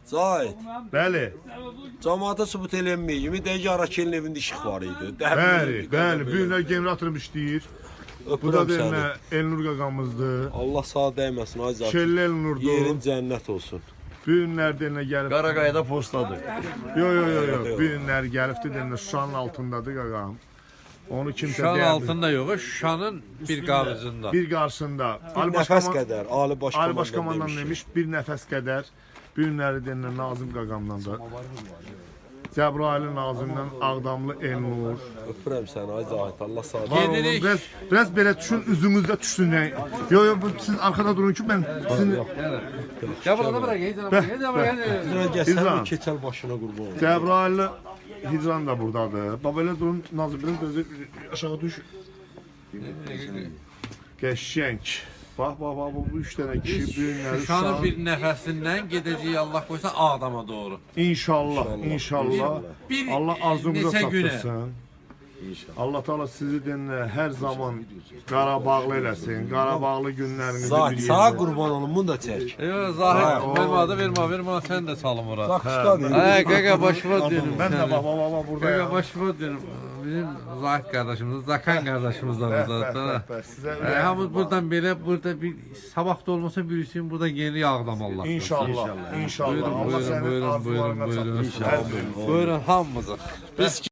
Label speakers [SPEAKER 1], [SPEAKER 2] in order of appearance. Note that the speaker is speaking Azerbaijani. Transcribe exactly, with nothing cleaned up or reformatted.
[SPEAKER 1] Zahid.
[SPEAKER 2] Bəli.
[SPEAKER 1] Cəmaata sübut eləməyək kimi dəqiq Arakelin evində işıq var idi.
[SPEAKER 2] Bəli, bəli. Bu günlər generatorum işləyir. Bu da
[SPEAKER 1] Öpürəm səni.
[SPEAKER 2] deyilmə Elnur qaqamızdır.
[SPEAKER 1] Allah sağ dəyməsin ay Zahid.
[SPEAKER 2] Şelli Elnurdur.
[SPEAKER 1] Yerin cənnət olsun.
[SPEAKER 2] Bu günlər deyilmə gəlib.
[SPEAKER 3] Qaraqayada postadır.
[SPEAKER 2] Yo yo yo yo. Bu günlər gəlibdi deyilmə Şuşanın altındadır qaqam. Onu kimsə
[SPEAKER 4] Şuşanın
[SPEAKER 2] deyədir.
[SPEAKER 4] altında yox, Şuşanın bir qabızında.
[SPEAKER 2] Bir qarşısında.
[SPEAKER 1] Bir nəfəs qədər Ali
[SPEAKER 2] Ali
[SPEAKER 1] Başkomandan
[SPEAKER 2] Başkomandan
[SPEAKER 1] demiş.
[SPEAKER 2] demiş bir nəfəs qədər. Bu günləri deyilmə Nazım qaqamdan da. Cəbrayılın Nazimdən Ağdamlı Elnur.
[SPEAKER 1] Öpürəm səni ay Zahid. Allah sağ
[SPEAKER 2] Var
[SPEAKER 1] dəyməsin.
[SPEAKER 2] olun.
[SPEAKER 4] Gedirik.
[SPEAKER 2] Biraz, biraz belə düşün, üzümüzdə düşsün. Yəni. Yo yo bu siz arkada durun ki ben sizin
[SPEAKER 4] Ya burada bırak, gel bırak, gel bırak.
[SPEAKER 1] Sən gəl,
[SPEAKER 2] İzlan.
[SPEAKER 1] sən keçəl başına qurban ol.
[SPEAKER 2] Cəbrayıllı Hicran da buradadır. Baba elə durun Nazim biraz gözü aşağı düş. Qəşəng. Bax bax bax bu üç dənə kişi bu günləri
[SPEAKER 4] Şuşanın bir nəfəsindən gedəcəyik Allah qoysa Ağdama doğru.
[SPEAKER 2] İnşallah, inşallah.
[SPEAKER 4] Bir-
[SPEAKER 2] Allah arzumuza
[SPEAKER 4] neçə günə.
[SPEAKER 2] çatdırsın. Allah Teala sizi dinlə hər zaman Qarabağlı eləsin. Qarabağlı günlərinizi
[SPEAKER 1] Zahid
[SPEAKER 2] bir
[SPEAKER 1] sağa
[SPEAKER 2] yerdə.
[SPEAKER 1] qurban olun, bunu da çək.
[SPEAKER 4] Yo Zahid, vermadı, vermə, vermə, sən də salım ora.
[SPEAKER 1] Bax ustadır.
[SPEAKER 4] Ay qaqa başıma dönüm
[SPEAKER 2] Mən də
[SPEAKER 4] səni.
[SPEAKER 2] baba baba
[SPEAKER 4] Qaqa
[SPEAKER 2] buradayım.
[SPEAKER 4] başıma dönüm. Bizim Zahid qardaşımız, Zakan qardaşımız da
[SPEAKER 2] Bəh, bəh,
[SPEAKER 4] buradadır.
[SPEAKER 2] bəh, bəh. Sizə
[SPEAKER 4] E,
[SPEAKER 2] ürəyim
[SPEAKER 4] hamı
[SPEAKER 2] var.
[SPEAKER 4] buradan belə, burada bir sabah da olmasa birisi burada yeni Ağdam Allah.
[SPEAKER 2] İnşallah, inşallah.
[SPEAKER 4] Buyurun,
[SPEAKER 2] Allah
[SPEAKER 4] buyurun,
[SPEAKER 2] sənin
[SPEAKER 4] buyurun,
[SPEAKER 2] arzularına
[SPEAKER 4] buyurun, buyurun.
[SPEAKER 2] çatdırsın. Hər gün.
[SPEAKER 4] Buyurun hamımıza.
[SPEAKER 1] Biz